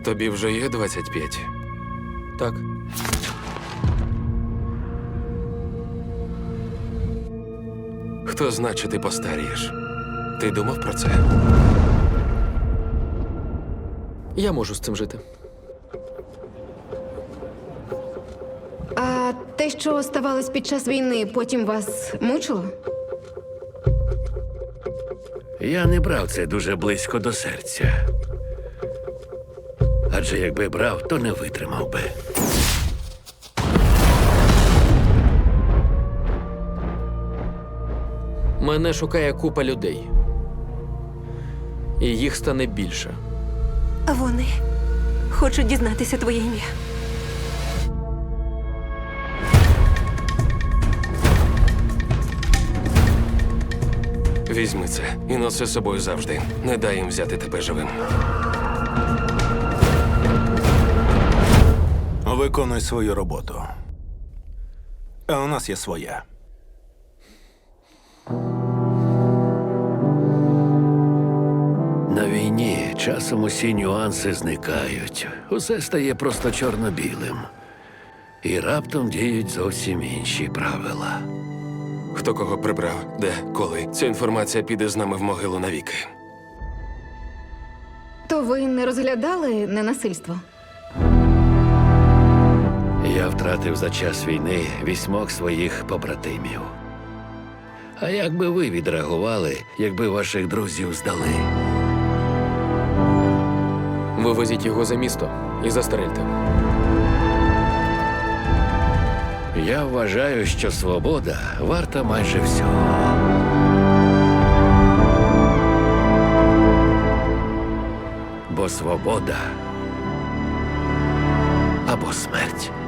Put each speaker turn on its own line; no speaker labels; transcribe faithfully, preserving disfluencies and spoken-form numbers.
Тобі вже є двадцять п'ять?
Так.
Хто зна, чи ти постарієш? Ти думав про це?
Я можу з цим жити.
А те, що ставалось під час війни, потім вас мучило?
Я не брав це дуже близько до серця. Адже якби брав, то не витримав би.
Мене шукає купа людей. І їх стане більше.
Вони хочуть дізнатися твоє ім'я.
Візьми це і носи з собою завжди. Не дай їм взяти тебе живим.
Виконуй свою роботу. А у нас є своя.
На війні часом усі нюанси зникають. Усе стає просто чорно-білим. І раптом діють зовсім інші правила.
Хто кого прибрав, де, коли. Ця інформація піде з нами в могилу навіки.
То ви не розглядали ненасильство?
Я втратив за час війни вісьмох своїх побратимів. А як би ви відреагували, якби ваших друзів здали?
Вивезіть його за місто і застрельте.
Я вважаю, що свобода варта майже всього. Бо свобода або смерть.